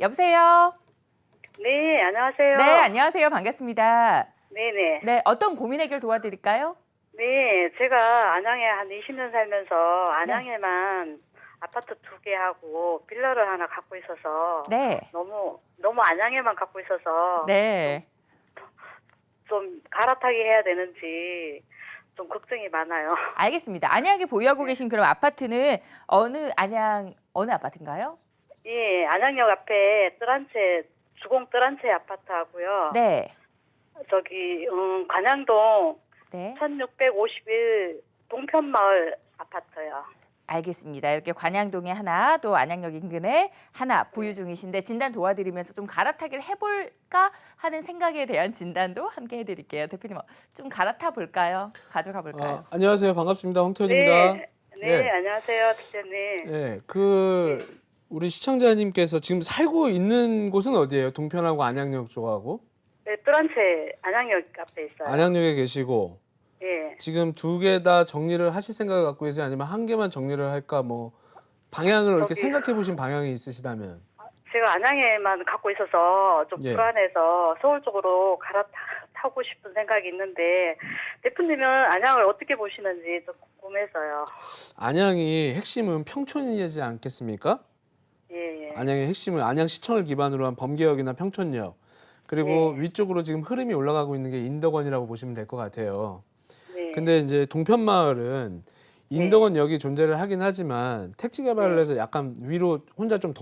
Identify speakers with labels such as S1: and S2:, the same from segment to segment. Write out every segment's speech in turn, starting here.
S1: 여보세요?
S2: 네, 안녕하세요.
S1: 네, 안녕하세요. 반갑습니다.
S2: 네네.
S1: 네, 어떤 고민 해결 도와드릴까요?
S2: 네, 제가 안양에 한 20년 살면서
S1: 네.
S2: 안양에만 아파트 2개 하고 빌라를 하나 갖고 있어서
S1: 네.
S2: 너무 안양에만 갖고 있어서
S1: 네.
S2: 좀 갈아타기 해야 되는지 좀 걱정이 많아요.
S1: 알겠습니다. 안양에 보유하고 계신 그럼 아파트는 어느 아파트인가요?
S2: 예, 안양역 앞에 주공 뜰한채 아파트 하고요.
S1: 네.
S2: 저기 관양동
S1: 네.
S2: 1651 동편마을 아파트요.
S1: 알겠습니다. 이렇게 관양동에 하나, 또 안양역 인근에 하나 보유 중이신데 진단 도와드리면서 좀 갈아타기를 해볼까 하는 생각에 대한 진단도 함께 해드릴게요. 대표님, 좀 갈아타 볼까요? 가져가 볼까요?
S3: 안녕하세요. 반갑습니다. 홍태현입니다.
S2: 네, 안녕하세요, 팀장님.
S3: 네, 우리 시청자님께서 지금 살고 있는 곳은 어디예요? 동편하고 안양역 쪽하고?
S2: 네, 뜰한채 안양역 앞에 있어요.
S3: 안양역에 계시고
S2: 예.
S3: 지금 2개 다 정리를 하실 생각을 갖고 계세요? 아니면 한 개만 정리를 할까? 뭐 방향을 이렇게 생각해 보신 방향이 있으시다면?
S2: 제가 안양에만 갖고 있어서 좀
S3: 예.
S2: 불안해서 서울 쪽으로 갈아타고 싶은 생각이 있는데 대표님은 안양을 어떻게 보시는지 좀 궁금해서요.
S3: 안양이 핵심은 평촌이지 않겠습니까?
S2: 예, 예.
S3: 안양의 핵심은 안양시청을 기반으로 한 범계역이나 평촌역, 그리고 위쪽으로 지금 흐름이 올라가고 있는 게 인덕원이라고 보시면 될 것 같아요.
S2: 네.
S3: 근데 이제 동편마을은 인덕원역이 존재를 하긴 하지만 택지 개발을 해서 약간 위로 혼자 좀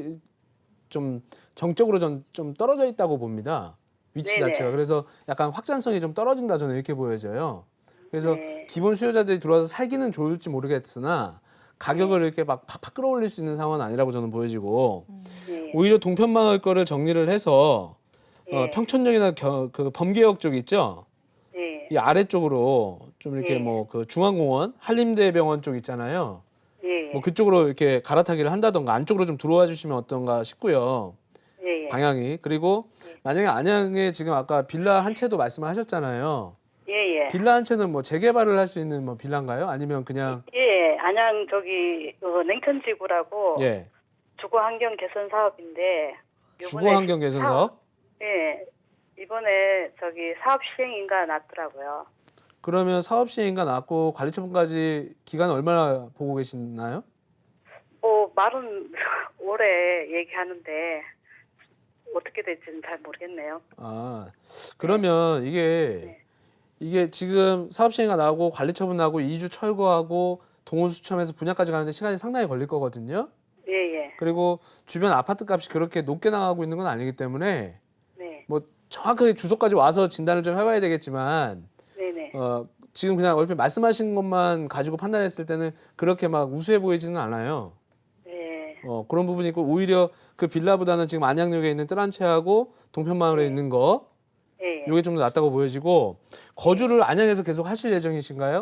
S3: 좀 정적으로 좀 떨어져 있다고 봅니다. 위치
S2: 네네.
S3: 자체가. 그래서 약간 확장성이 좀 떨어진다 저는 이렇게 보여져요. 그래서
S2: 네.
S3: 기본 수요자들이 들어와서 살기는 좋을지 모르겠으나 가격을 이렇게 막 팍팍 끌어올릴 수 있는 상황은 아니라고 저는 보여지고,
S2: 네.
S3: 오히려 동편마을 거를 정리를 해서
S2: 예.
S3: 평촌역이나 그 범계역 쪽 있죠?
S2: 예.
S3: 이 아래쪽으로 좀 이렇게
S2: 예.
S3: 뭐 그 중앙공원, 한림대병원 쪽 있잖아요.
S2: 예.
S3: 뭐 그쪽으로 이렇게 갈아타기를 한다던가 안쪽으로 좀 들어와 주시면 어떤가 싶고요.
S2: 예.
S3: 방향이. 그리고 만약에 안양에 지금 아까 빌라 한 채도 말씀을 하셨잖아요.
S2: 예. 예.
S3: 빌라 한 채는 뭐 재개발을 할 수 있는 뭐 빌라인가요? 아니면 그냥
S2: 예. 안양 저기 냉천지구라고
S3: 예.
S2: 주거 환경 개선 사업인데
S3: 주거 환경 개선 사업?
S2: 예. 이번에 저기 사업 시행인가 났더라고요.
S3: 그러면 사업 시행인가 났고 관리 처분까지 기간 얼마나 보고 계시나요?
S2: 말은 올해 얘기하는데 어떻게 될지는 잘 모르겠네요.
S3: 그러면 이게 지금 사업 시행가 나고 관리 처분 나고 이주 철거하고 동원 수첨해서 분양까지 가는데 시간이 상당히 걸릴 거거든요.
S2: 예.
S3: 그리고 주변 아파트 값이 그렇게 높게 나가고 있는 건 아니기 때문에
S2: 네.
S3: 뭐 정확하게 주소까지 와서 진단을 좀 해봐야 되겠지만
S2: 네네.
S3: 지금 그냥 얼핏 말씀하신 것만 가지고 판단했을 때는 그렇게 막 우수해 보이지는 않아요.
S2: 네.
S3: 그런 부분이 있고 오히려 그 빌라보다는 지금 안양역에 있는 뜰한채하고 동편마을에 있는 거
S2: 예.
S3: 이게 좀 더 낫다고 보여지고, 거주를 안양에서 계속 하실 예정이신가요?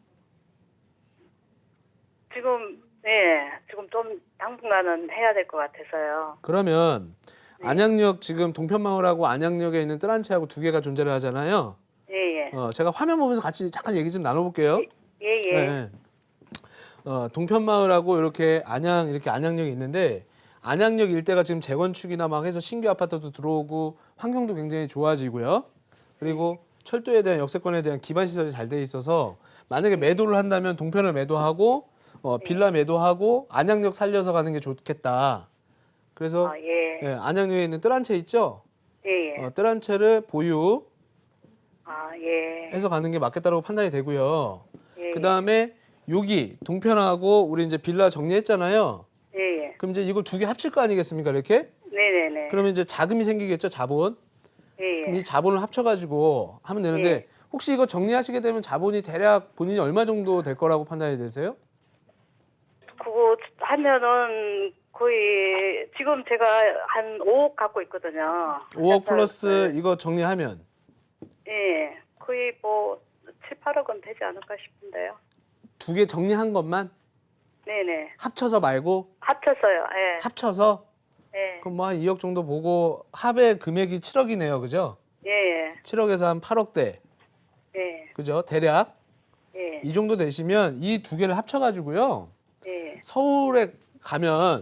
S2: 지금 좀 당분간은 해야 될 것 같아서요.
S3: 그러면 안양역 지금 동편마을하고 안양역에 있는 뜰한채하고 2개가 존재를 하잖아요.
S2: 예.
S3: 제가 화면 보면서 같이 잠깐 얘기 좀 나눠볼게요.
S2: 예.
S3: 네. 동편마을하고 이렇게 안양역이 있는데, 안양역 일대가 지금 재건축이나 막 해서 신규 아파트도 들어오고 환경도 굉장히 좋아지고요. 그리고 철도에 대한 역세권에 대한 기반 시설이 잘 돼 있어서 만약에 매도를 한다면 동편을 매도하고 빌라 매도하고 안양역 살려서 가는 게 좋겠다. 그래서
S2: 예.
S3: 안양역에 있는 뜰한채 있죠?
S2: 예.
S3: 뜰한채를 보유
S2: 예.
S3: 해서 가는 게 맞겠다고 판단이 되고요.
S2: 예.
S3: 그다음에 여기 동편하고 우리 이제 빌라 정리했잖아요.
S2: 예.
S3: 그럼 이제 이걸 2개 합칠 거 아니겠습니까, 이렇게?
S2: 네네네.
S3: 그러면 이제 자금이 생기겠죠, 자본. 그럼 이 자본을 합쳐가지고 하면 되는데, 혹시 이거 정리하시게 되면 자본이 대략 본인이 얼마 정도 될 거라고 판단이 되세요?
S2: 그거 하면은 거의 지금 제가 한 5억 갖고 있거든요.
S3: 5억 플러스 이거 정리하면
S2: 예. 거의 뭐 7, 8억은 되지 않을까 싶은데요.
S3: 2개 정리한 것만
S2: 네네.
S3: 합쳐서 말고
S2: 합쳐서요. 예.
S3: 합쳐서
S2: 예.
S3: 그럼 뭐 한 2억 정도 보고 합의 금액이 7억이네요, 그죠?
S2: 예.
S3: 7억에서 한 8억대,
S2: 예.
S3: 그죠? 대략
S2: 예.
S3: 이 정도 되시면 이 2개를 합쳐가지고요.
S2: 예.
S3: 서울에 가면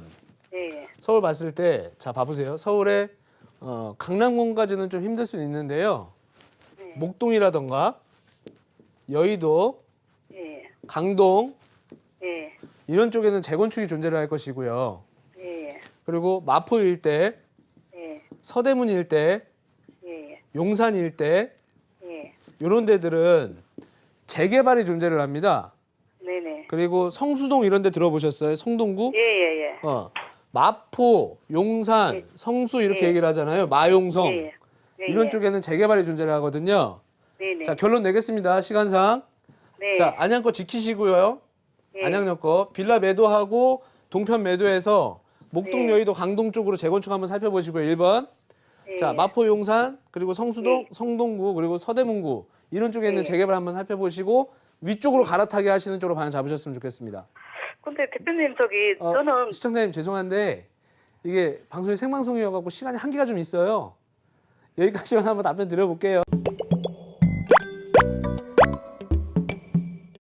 S2: 예.
S3: 서울 봤을 때, 자, 봐보세요. 서울에 강남권까지는 좀 힘들 수는 있는데요.
S2: 네.
S3: 목동이라던가 여의도,
S2: 예.
S3: 강동
S2: 예.
S3: 이런 쪽에는 재건축이 존재를 할 것이고요.
S2: 예.
S3: 그리고 마포 일대,
S2: 예.
S3: 서대문 일대,
S2: 예.
S3: 용산 일대
S2: 예.
S3: 이런 데들은 재개발이 존재를 합니다.
S2: 네네.
S3: 그리고 성수동 이런 데 들어보셨어요? 성동구?
S2: 예예예.
S3: 마포, 용산,
S2: 예.
S3: 성수 이렇게
S2: 예.
S3: 얘기를 하잖아요. 마용성.
S2: 예. 예.
S3: 이런 쪽에는 재개발이 존재를 하거든요.
S2: 네네.
S3: 자, 결론 내겠습니다. 시간상.
S2: 네.
S3: 자, 안양 거 지키시고요.
S2: 예.
S3: 안양역 거 빌라 매도하고 동편 매도해서 목동,
S2: 네.
S3: 여의도, 강동 쪽으로 재건축 한번 살펴보시고요. 1번.
S2: 예.
S3: 자, 마포, 용산, 그리고 성수동,
S2: 예.
S3: 성동구, 그리고 서대문구 이런 쪽에 있는
S2: 예.
S3: 재개발 한번 살펴보시고 위쪽으로 갈아타게 하시는 쪽으로 방향 잡으셨으면 좋겠습니다.
S2: 근데 대표님 저는
S3: 시청자님 죄송한데 이게 방송이 생방송이어갖고 시간이 한계가 좀 있어요. 여기까지만 한번 답변 드려볼게요.